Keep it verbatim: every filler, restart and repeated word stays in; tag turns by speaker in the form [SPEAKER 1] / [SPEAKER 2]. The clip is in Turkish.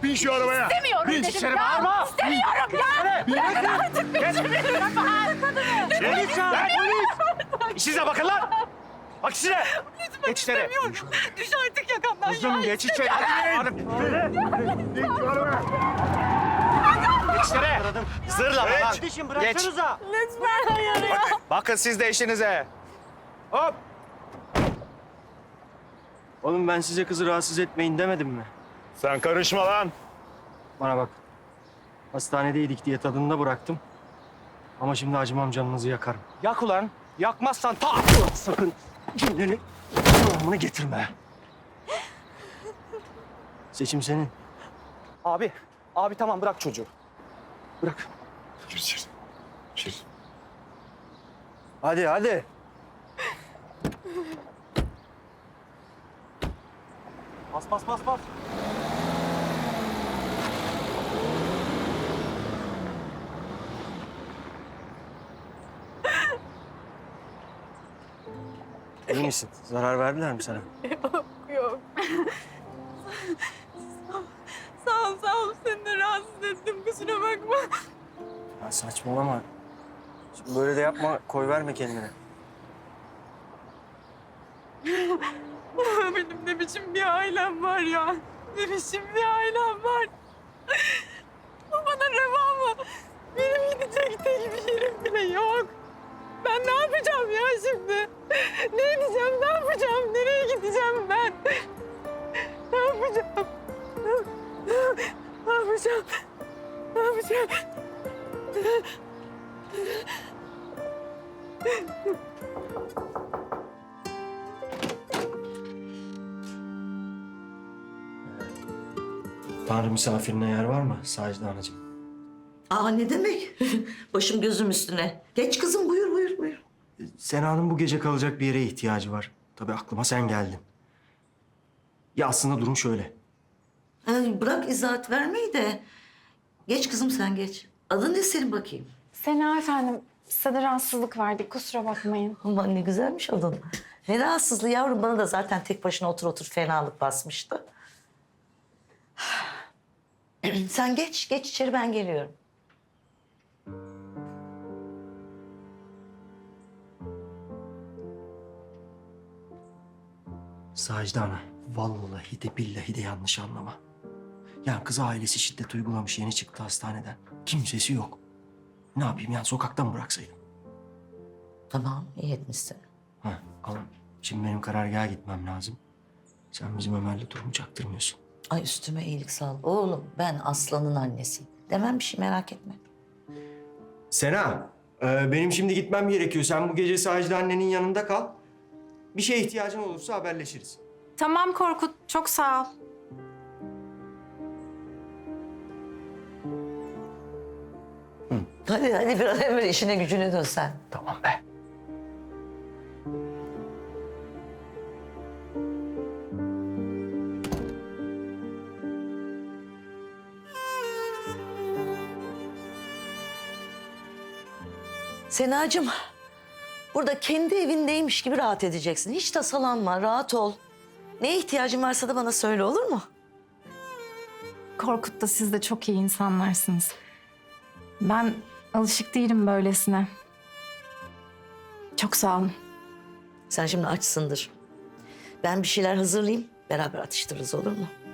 [SPEAKER 1] bin şu arabaya.
[SPEAKER 2] İstemiyorum
[SPEAKER 1] Bin.
[SPEAKER 2] dedim
[SPEAKER 3] İçeri
[SPEAKER 2] ya.
[SPEAKER 3] bağırma.
[SPEAKER 2] İstemiyorum ya. Bırakın artık peşimi lütfen.
[SPEAKER 3] Polis çağır, polis! Size bakın lan! Bak size!
[SPEAKER 2] Lütfen
[SPEAKER 3] Geç içeri.
[SPEAKER 2] istemiyorum. Düş artık yakamdan ya.
[SPEAKER 3] Kızım geç içeri. Hadi.
[SPEAKER 1] Bin şu arabaya.
[SPEAKER 3] Geç içeri. Zırlama lan.
[SPEAKER 4] Kardeşim bıraksanıza.
[SPEAKER 2] Lütfen hayır ya.
[SPEAKER 3] Bakın siz de işinize. Hop!
[SPEAKER 4] Oğlum ben size kızı rahatsız etmeyin demedim mi?
[SPEAKER 1] Sen karışma lan.
[SPEAKER 4] Bana bak. Hastanedeydik diye tadında bıraktım. Ama şimdi acımam, canınızı yakarım.
[SPEAKER 3] Yak ulan. Yakmazsan ta.
[SPEAKER 4] Sakın cümleni devamını getirme. Seçim senin.
[SPEAKER 3] Abi. Abi tamam bırak çocuğu. Bırak.
[SPEAKER 1] Gir içeri. Gir.
[SPEAKER 4] Hadi hadi.
[SPEAKER 3] Bas bas bas bas.
[SPEAKER 4] İyi misin? Zarar verdiler mi sana?
[SPEAKER 2] Yok. Sağ ol, sağ ol. Seni de rahatsız ettim. Kusura bakma.
[SPEAKER 4] Ya saçmalama. Şimdi böyle de yapma, koy verme kendine.
[SPEAKER 2] Benim ne biçim bir ailem var ya. Ne biçim bir ailem var. Bu bana reva mı? Benim gidecek tek bir yerim bile yok. Ben ne yapacağım ya şimdi? Ne edeceğim, ne yapacağım? Nereye gideceğim ben? Ne yapacağım? Ne yapacağım? Ne yapacağım?
[SPEAKER 4] Tanrı misafirine yer var mı Sacide Anacığım?
[SPEAKER 5] Aa ne demek? Başım gözüm üstüne. Geç kızım buyur buyur buyur.
[SPEAKER 4] Sena'nın bu gece kalacak bir yere ihtiyacı var. Tabii aklıma sen geldin. Ya aslında durum şöyle.
[SPEAKER 5] Ay, bırak izahat vermeyi de. Geç kızım sen geç. Adın ne senin bakayım?
[SPEAKER 6] Sena efendim, size de rahatsızlık verdik. Kusura bakmayın.
[SPEAKER 5] Aman ne güzelmiş adın. Ne rahatsızlığı yavrum, bana da zaten tek başına otur otur fenalık basmıştı. Sen geç, geç içeri, ben geliyorum.
[SPEAKER 4] Sacide Ana, vallahi de billahi de yanlış anlama. Yani kız ailesi şiddet uygulamış, yeni çıktı hastaneden. Kimsesi yok. Ne yapayım yani, sokaktan mı bıraksaydım?
[SPEAKER 5] Tamam, iyi etmişsin.
[SPEAKER 4] Ha, ama şimdi benim karargaha gitmem lazım. Sen bizim Ömer'le durumu çaktırmıyorsun.
[SPEAKER 5] Ay üstüme iyilik sağ ol. Oğlum ben Aslan'ın annesiyim. Demem bir şey, merak etme.
[SPEAKER 4] Sena, e, benim şimdi gitmem gerekiyor. Sen bu gece Sacide annenin yanında kal. Bir şeye ihtiyacın olursa haberleşiriz.
[SPEAKER 6] Tamam Korkut, çok sağ ol.
[SPEAKER 5] Hadi hadi bir an evvel işine gücüne dön sen.
[SPEAKER 4] Tamam be.
[SPEAKER 5] Senacığım, burada kendi evindeymiş gibi rahat edeceksin. Hiç tasalanma, rahat ol. Neye ihtiyacın varsa da bana söyle, olur mu?
[SPEAKER 6] Korkut da siz de çok iyi insanlarsınız. Ben alışık değilim böylesine. Çok sağ olun.
[SPEAKER 5] Sen şimdi açsındır. Ben bir şeyler hazırlayayım, beraber atıştırırız, olur mu?